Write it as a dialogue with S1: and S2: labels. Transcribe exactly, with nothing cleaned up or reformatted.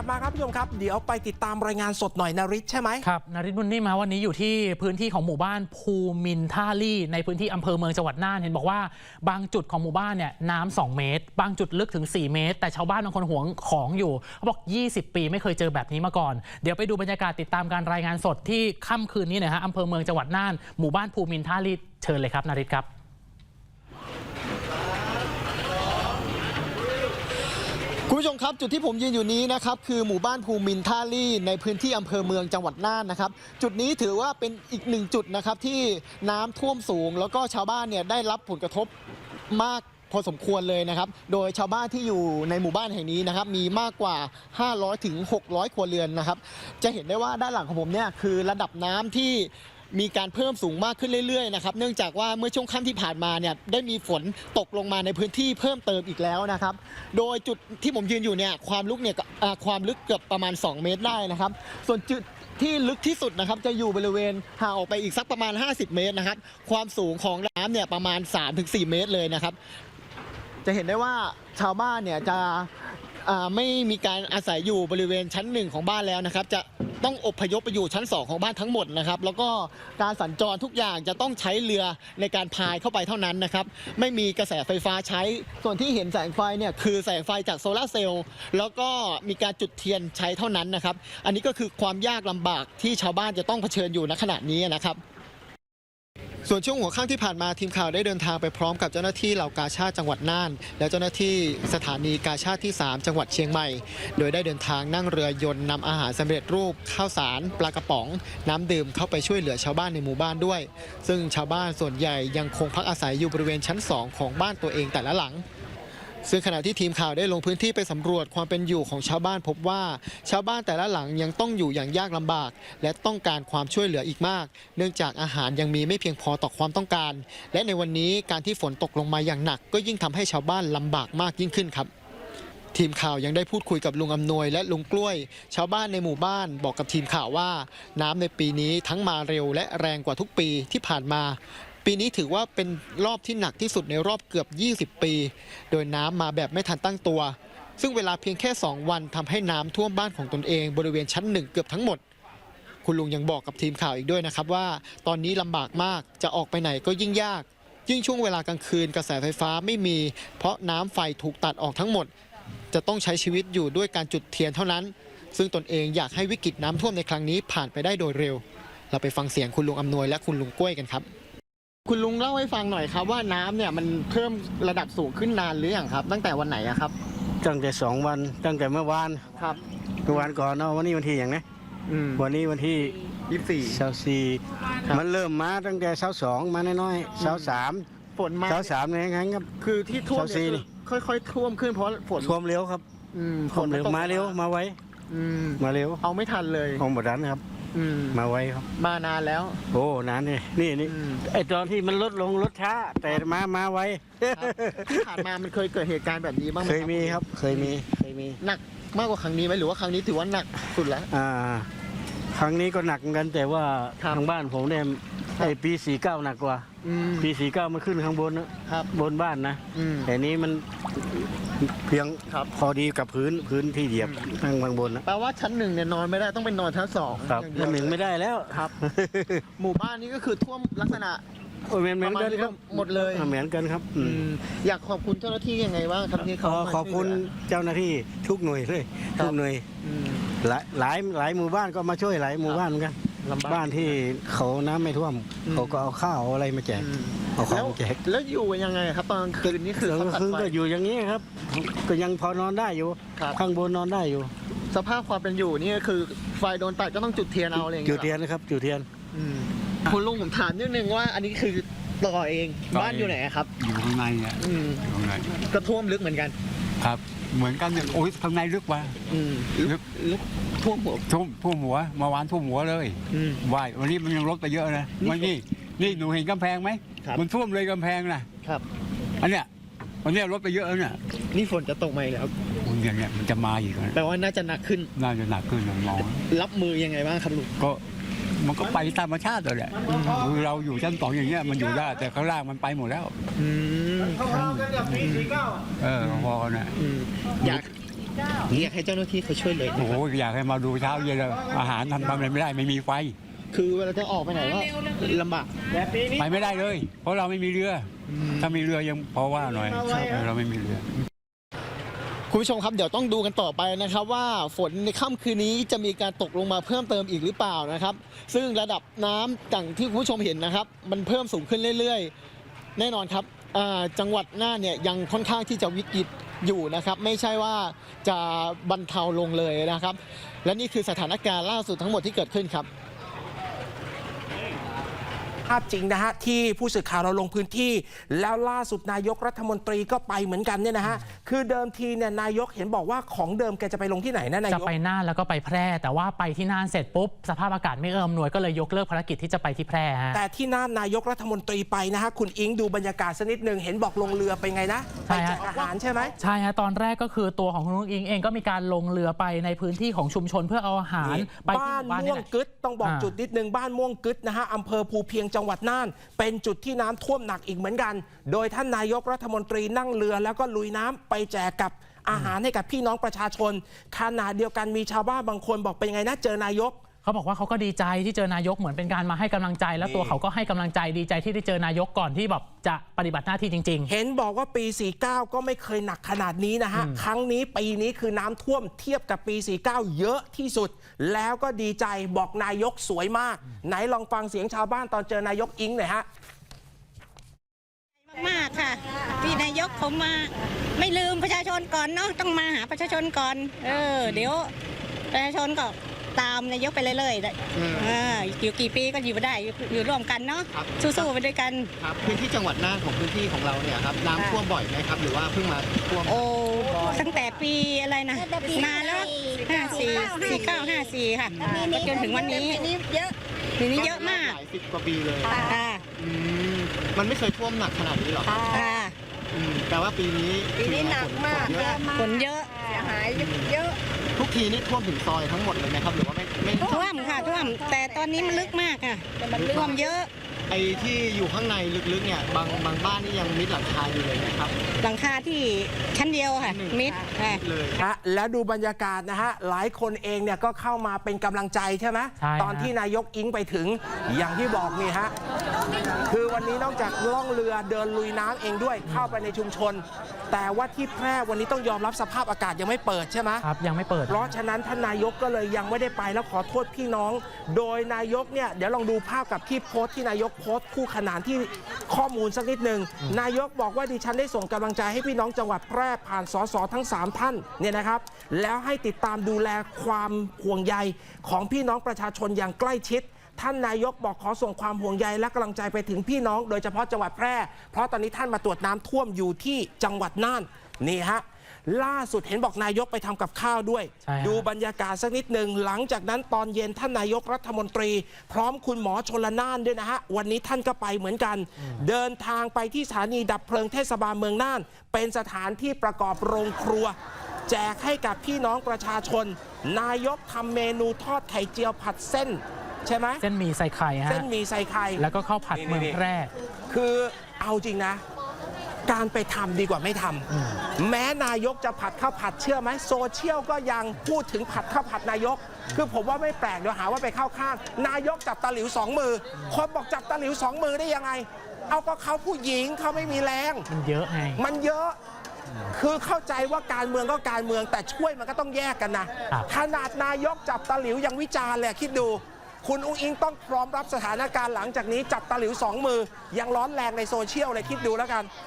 S1: ลับมาครับผู้ชมครับเดี๋ยวไปติดตามรายงานสดหน่อยนฤทธิ์ใช่ไหม
S2: ครับนฤทธิ์บุญนิ่มมาวันนี้อยู่ที่พื้นที่ของหมู่บ้านภูมินท่าลี่ในพื้นที่อำเภอเมืองจังหวัดน่านเห็นบอกว่าบางจุดของหมู่บ้านเนี่ยน้ำสองเมตรบางจุดลึกถึงสี่เมตรแต่ชาวบ้านบางคนหวงของอยู่เขาบอกยี่สิบปีไม่เคยเจอแบบนี้มาก่อนเดี๋ยวไปดูบรรยากาศติดตามการรายงานสดที่ค่ำคืนนี้นะฮะอำเภอเมืองจังหวัดน่านหมู่บ้านภูมินท่าลี่เชิญเลยครับนฤทธิ์ครับ
S3: คุณผู้ชมครับจุดที่ผมยืนอยู่นี้นะครับคือหมู่บ้านภูมินท่าลี่ในพื้นที่อำเภอเมืองจังหวัดน่านนะครับจุดนี้ถือว่าเป็นอีกหนึ่งจุดนะครับที่น้ำท่วมสูงแล้วก็ชาวบ้านเนี่ยได้รับผลกระทบมากพอสมควรเลยนะครับโดยชาวบ้านที่อยู่ในหมู่บ้านแห่งนี้นะครับมีมากกว่าห้าร้อยถึงหกร้อยครัวเรือนนะครับจะเห็นได้ว่าด้านหลังของผมเนี่ยคือระดับน้ำที่มีการเพิ่มสูงมากขึ้นเรื่อยๆนะครับเนื่องจากว่าเมื่อช่วงค่ำที่ผ่านมาเนี่ยได้มีฝนตกลงมาในพื้นที่เพิ่มเติมอีกแล้วนะครับโดยจุดที่ผมยืนอยู่เนี่ยความลึกเนี่ยความลึกเกือบประมาณสองเมตรได้นะครับส่วนจุดที่ลึกที่สุดนะครับจะอยู่บริเวณห่างออกไปอีกสักประมาณห้าสิบเมตรนะครับความสูงของน้ำเนี่ยประมาณ สามถึงสี่ เมตรเลยนะครับจะเห็นได้ว่าชาวบ้านเนี่ยจะไม่มีการอาศัยอยู่บริเวณชั้นหนึ่งของบ้านแล้วนะครับจะต้องอพยพไปอยู่ชั้นสองของบ้านทั้งหมดนะครับแล้วก็การสัญจรทุกอย่างจะต้องใช้เรือในการพายเข้าไปเท่านั้นนะครับไม่มีกระแสไฟฟ้าใช้ส่วนที่เห็นแสงไฟเนี่ยคือแสงไฟจากโซลาร์เซลล์แล้วก็มีการจุดเทียนใช้เท่านั้นนะครับอันนี้ก็คือความยากลำบากที่ชาวบ้านจะต้องเผชิญอยู่ณขณะนี้นะครับส่วนช่วงหัวค่ำที่ผ่านมาทีมข่าวได้เดินทางไปพร้อมกับเจ้าหน้าที่เหล่ากาชาดจังหวัดน่านและเจ้าหน้าที่สถานีกาชาดที่สามจังหวัดเชียงใหม่โดยได้เดินทางนั่งเรือยนต์นำอาหารสำเร็จรูปข้าวสารปลากระป๋องน้ำดื่มเข้าไปช่วยเหลือชาวบ้านในหมู่บ้านด้วยซึ่งชาวบ้านส่วนใหญ่ยังคงพักอาศัยอยู่บริเวณชั้นสองของบ้านตัวเองแต่ละหลังซึ่งขณะที่ทีมข่าวได้ลงพื้นที่ไปสำรวจความเป็นอยู่ของชาวบ้านพบว่าชาวบ้านแต่ละหลังยังต้องอยู่อย่างยากลำบากและต้องการความช่วยเหลืออีกมากเนื่องจากอาหารยังมีไม่เพียงพอต่อความต้องการและในวันนี้การที่ฝนตกลงมาอย่างหนักก็ยิ่งทำให้ชาวบ้านลำบากมากยิ่งขึ้นครับทีมข่าวยังได้พูดคุยกับลุงอำนวยและลุงกล้วยชาวบ้านในหมู่บ้านบอกกับทีมข่าวว่าน้ำในปีนี้ทั้งมาเร็วและแรงกว่าทุกปีที่ผ่านมาปีนี้ถือว่าเป็นรอบที่หนักที่สุดในรอบเกือบยี่สิบปีโดยน้ำมาแบบไม่ทันตั้งตัวซึ่งเวลาเพียงแค่สองวันทำให้น้ำท่วมบ้านของตนเองบริเวณชั้นหนึ่งเกือบทั้งหมดคุณลุงยังบอกกับทีมข่าวอีกด้วยนะครับว่าตอนนี้ลำบากมากจะออกไปไหนก็ยิ่งยากยิ่งช่วงเวลากลางคืนกระแสไฟฟ้าไม่มีเพราะน้ำไฟถูกตัดออกทั้งหมดจะต้องใช้ชีวิตอยู่ด้วยการจุดเทียนเท่านั้นซึ่งตนเองอยากให้วิกฤตน้ำท่วมในครั้งนี้ผ่านไปได้โดยเร็วเราไปฟังเสียงคุณลุงอำนวยและคุณลุงกล้วยกันครับคุณลุงเล่าให้ฟังหน่อยครับว่าน้ำเนี่ยมันเพิ่มระดับสูงขึ้นนานหรือยังครับตั้งแต่วันไหนครับ
S4: ตั้งแต่สองวันตั้งแต่เมื่อวาน
S3: ครับ
S4: เมื่อวานก่อนเนาะวันนี้วันที่อย่างนี้วันนี้วันที่
S3: ยี่สิบสี่
S4: เช้าสี่มันเริ่มมาตั้งแต่เช้าสองมาน้อยๆเช้าสาม
S3: ฝนมา
S4: เช้าสามเนี่ยครับ
S3: คือที่ท่วมเนี่ยค่อยๆท่วมขึ้นเพราะฝน
S4: ท่วมเร็วครับ
S3: ฝน
S4: เร็วมาเร็วมาไวมาเร็ว
S3: เอาไม่ทันเลย
S4: เอาหมดนั้นครับมาไวครับ
S3: มานานแล้ว
S4: โอ้นานนี่นี่นี่ไอตอนที่มันลดลงลดช้าแต่มามาไว
S3: ที่ผ่านมามันเคยเกิดเหตุการณ์แบบนี้บ้างไหม
S4: เคยมีครับเคยมีเคยมี
S3: หนักมากกว่าครั้งนี้ไหมหรือว่าครั้งนี้ถือว่าหนักสุดแล้ว
S4: อ่าครั้งนี้ก็หนักกันแต่ว่าทางบ้านผมเนี่ยไอปีสี่เก้าหนักกว่าปีสี่เก้ามันขึ้นข้างบนนะครับบนบ้านนะแต่นี้มันเพียงพอดีกับพื้นพื้นที่เหยียบทางข้างบนนะ
S3: แปลว่าชั้นหนึ่งเนี่ยนอนไม่ได้ต้องเป็นนอนชั้นสอง
S4: ครับชั้นหนึ่งไม่ได้แล้ว
S3: ครับหมู่บ้านนี้ก็คือท่วมลักษณะ
S4: เหมือนเหมือนกันครับ
S3: หมดเลย
S4: เหมือนกันครับ
S3: อยากขอบคุณเจ้าหน้าที่ยังไงบ้างครับที่เขา
S4: ขอบคุณเจ้าหน้าที่ทุกหน่วยเลยทุกหน่วยหลายหลายหลายหมู่บ้านก็มาช่วยหลายหมู่บ้านเหมือนกันบ้านที่เขาน้ำไม่ท่วมเขาก็เอาข้าวอะไรมาแจกเอาข้าวมาแจก
S3: แล้วอยู่ยังไงครับตอนคืนนี้คือ
S4: คือก็อยู่อย่างนี้ครับก็ยังพอนอนได้อยู่ข้างบนนอนได้อยู่
S3: สภาพความเป็นอยู่นี่คือไฟโดนตัดก็ต้องจุดเทียนเอาอะไรอย่าง
S4: เงี้ยจุดเทียนนะครับจุดเทียน
S3: คุณลุงผมถามนิดนึงว่าอันนี้คือต่อเองบ้านอยู่ไหนครับ
S5: อยู่ข้างในเนี่ย
S3: ข้างในก็ท่วมลึกเหมือนกัน
S5: ครับเหมือนกันเนี่ยโอ้ยข้างในลึกว่ะ
S3: ลึกลึกท่วมหัว
S5: ท่วมท่วมหัวมาวานท่วมหัวเลยว่ายวันนี้มันยังลดไปเยอะนะวันนี้นี่หนูเห็นกำแพงไหมมันท่วมเลยกำแพงนะครับอันเนี้ยวันนี้ลดไปเยอะแล้วเนี่ย
S3: นี่ฝนจะตกไหมแล้ว
S5: อย่างเงี้ยมันจะมาอีก
S3: แปลว่าน่าจะหนักขึ้น
S5: น่าจะหนักขึ้นมอง
S3: รับมือยังไงบ้างครับลุง
S5: ก็มันก็ไปธรรมชาติเลยแหละคือเราอยู่ชั้นสองอย่างเงี้ยมันอยู่ได้แต่ข้างล่างมันไปหมดแล้วเออพอเนี่ย
S3: อยากอยากให้เจ้าหน้าที่เขาช่วยเลย
S5: โอ้โหอยากให้มาดูเช้าเย็นเลยอาหารทำทำอะไรไม่ได้ไม่มีไฟ
S3: คือเวลาจะออกไปไหนก็ลำบาก
S5: ไปไม่ได้เลย เพราะเราไม่มีเรือ ถ้ามีเรือยังพอว่าหน่อยเราไม่มีเรือ
S3: คุณผู้ชมครับเดี๋ยวต้องดูกันต่อไปนะครับว่าฝนในค่ำคืนนี้จะมีการตกลงมาเพิ่มเติมอีกหรือเปล่านะครับซึ่งระดับน้ำอย่างที่คุณผู้ชมเห็นนะครับมันเพิ่มสูงขึ้นเรื่อยๆแน่นอนครับอ่าจังหวัดน่านเนี่ยยังค่อนข้างที่จะวิกฤตอยู่นะครับไม่ใช่ว่าจะบรรเทาลงเลยนะครับและนี่คือสถานการณ์ล่าสุดทั้งหมดที่เกิดขึ้นครับ
S1: ภาพจริงนะฮะที่ผู้สื่อข่าวเราลงพื้นที่แล้วล่าสุดนายกรัฐมนตรีก็ไปเหมือนกันเนี่ยนะฮะคือเดิมทีเนี่ยนายกเห็นบอกว่าของเดิมแกจะไปลงที่ไหนนะนายก
S2: จะไปน่านแล้วก็ไปแพร่แต่ว่าไปที่น่านเสร็จปุ๊บสภาพอากาศไม่เอื้ออำนวยก็เลยยกเลิกภารกิจที่จะไปที่แพร่ฮะ
S1: แต่ที่น่านนายกรัฐมนตรีไปนะฮะคุณอิงดูบรรยากาศสักนิดหนึ่งเห็นบอกลงเรือไปไงนะไปแจกอาหารใช่ไหม
S2: ใช่ฮะตอนแรกก็คือตัวของคุณนุ้งอิงเองก็มีการลงเรือไปในพื้นที่ของชุมชนเพื่อเอาอาหารไปที่
S1: บ้าน
S2: หมู่บ้าน
S1: ม่
S2: นี่
S1: วง
S2: แหละ
S1: กึดต้องบอกจุดนิดนึงบ้านม่วงกึดนะฮะอำเภอภูเพียงจังหวัดน่านเป็นจุดที่น้ำท่วมหนักอีกเหมือนกันโดยท่านนายกรัฐมนตรีนั่งเรือแล้วก็ลุยน้ำไปแจกกับอาหารให้กับพี่น้องประชาชนขณะเดียวกันมีชาวบ้านบางคนบอกเป็นไงนะเจอนายก
S2: เขาบอกว่าเขาก็ดีใจที่เจอนายกเหมือนเป็นการมาให้กำลังใจแล้วตัวเขาก็ให้กำลังใจดีใจที่ได้เจอนายกก่อนที่แบบจะปฏิบัติหน้าที่จริงๆ
S1: เห็นบอกว่าปี สี่สิบเก้า ก็ไม่เคยหนักขนาดนี้นะฮะครั้งนี้ปีนี้คือน้ำท่วมเทียบกับปี สี่สิบเก้า เยอะที่สุดแล้วก็ดีใจบอกนายกสวยมากไหนลองฟังเสียงชาวบ้านตอนเจอนายกอิงหน่อยฮะ
S6: มากค่ะที่นายกเขามาไม่ลืมประชาชนก่อนเนาะต้องมาหาประชาชนก่อนเออเดี๋ยวประชาชนก็ตามนายกไปเรื่อยๆอ่าอยู่กี่ปีก็อยู่ไม่ได้อยู่อยู่ร่วมกันเนาะสู้ๆไปด้วยกัน
S3: ครับพื้นที่จังหวัดน่านของพื้นที่ของเราเนี่ยครับน้ำท่วมบ่อยไหมครับหรือว่าเพิ่งมาท่วม
S6: โอ้ตั้งแต่ปีอะไรนะนานแล้วห้าสี่สี่เก้าห้าสี่ค่ะก็จนถึงวันนี้เยอะทีนี้เยอะมาก
S3: หลายสิบกว่าปีเลย
S6: ค่ะ
S3: อืมมันไม่เคยท่วมหนักขนาดนี้หรอครับ
S6: ค่ะ
S3: อืมแต่ว่าปีนี้
S6: ปีนี้หนักมาก
S3: เยอะ
S6: ฝนเยอะเสียหายเยอะ
S3: ทุกทีนี่ท่วมถึงซอยทั้งหมดเลยไหมครับหรือว่าไม่ไม่
S6: ท่วมค่ะท่วมแต่ตอนนี้มันลึกมากค่ะท่วมเยอะ
S3: ไอ้ที่อยู่ข้างในลึกๆเนี่ยบางบางบ้านนี่ยังมิดหลังคาอยู่เลยนะครับ
S6: หลังคาที่ชั้นเดียวค่ะมิดค่ะ
S3: เลย
S1: ฮะแล้วดูบรรยากาศนะฮะหลายคนเองเนี่ยก็เข้ามาเป็นกำลังใจใช่ไหม
S2: ใช่
S1: ตอนที่นายกอิงไปถึงอย่างที่บอกนี่ฮะคือวันนี้นอกจากล่องเรือเดินลุยน้ำเองด้วยเข้าไปในชุมชน แต่ว่าที่แพร่วันนี้ต้องยอมรับสภาพอากาศยังไม่เปิดใช่ไหม
S2: ครับยังไม่เปิด
S1: เพราะฉะนั้นท่านนายกก็เลยยังไม่ได้ไปแล้วขอโทษพี่น้อง โดยนายกเนี่ยเดี๋ยวลองดูภาพกับที่โพสต์ที่นายกโพสต์คู่ขนานที่ข้อมูลสักนิดหนึ่งนายกบอกว่าดิฉันได้ส่งกำลังใจให้พี่น้องจังหวัดแพร่ผ่านสสทั้งสามท่านเนี่ยนะครับแล้วให้ติดตามดูแลความห่วงใยของพี่น้องประชาชนอย่างใกล้ชิดท่านนายกบอกขอส่งความห่วงใยและกำลังใจไปถึงพี่น้องโดยเฉพาะจังหวัดแพร่เพราะตอนนี้ท่านมาตรวจน้ำท่วมอยู่ที่จังหวัดน่านนี่ฮะล่าสุดเห็นบอกนายกไปทำกับข้าวด้วย
S2: ใช่ฮะ
S1: ดูบรรยากาศสักนิดหนึ่งหลังจากนั้นตอนเย็นท่านนายกรัฐมนตรี พร้อมคุณหมอชลน่านด้วยนะฮะวันนี้ท่านก็ไปเหมือนกัน เดินทางไปที่สถานีดับเพลิงเทศบาลเมืองน่าน เป็นสถานที่ประกอบโรงครัว แจกให้กับพี่น้องประชาชน นายกทำเมนูทอดไข่เจียวผัดเส้นใช่ไหม
S2: เส้นหมี่ใส่ไข่ฮะ
S1: เส้นหมี่ใส่ไข่
S2: แล้วก็ข้าวผัดเมืองแพร่
S1: คือเอาจริงนะ การไปทำดีกว่าไม่ทำแม้นายกจะผัดข้าวผัดเชื่อไหมโซเชียลก็ยังพูดถึงผัดข้าวผัดนายก คือผมว่าไม่แปลกเดี๋ยวหาว่าไปเข้าข้าง นายกจับตะหลิวสองมือ คนบอกจับตะหลิวสองมือได้ยังไง เอาก็เขาผู้หญิงเขาไม่มีแรง
S2: มันเยอะไง
S1: มันเยอะ คือเข้าใจว่าการเมืองก็การเมืองแต่ช่วยมันก็ต้องแยกกันนะครับ ขนาดนายกจับตะหลิวยังวิจารณ์เลยคิดดู คุณอุ้งอิงต้องพร้อมรับสถานการณ์หลังจากนี้จับตะหลิวสองมือยังร้อนแรงในโซเชียลเลยคิดดูแล้วกัน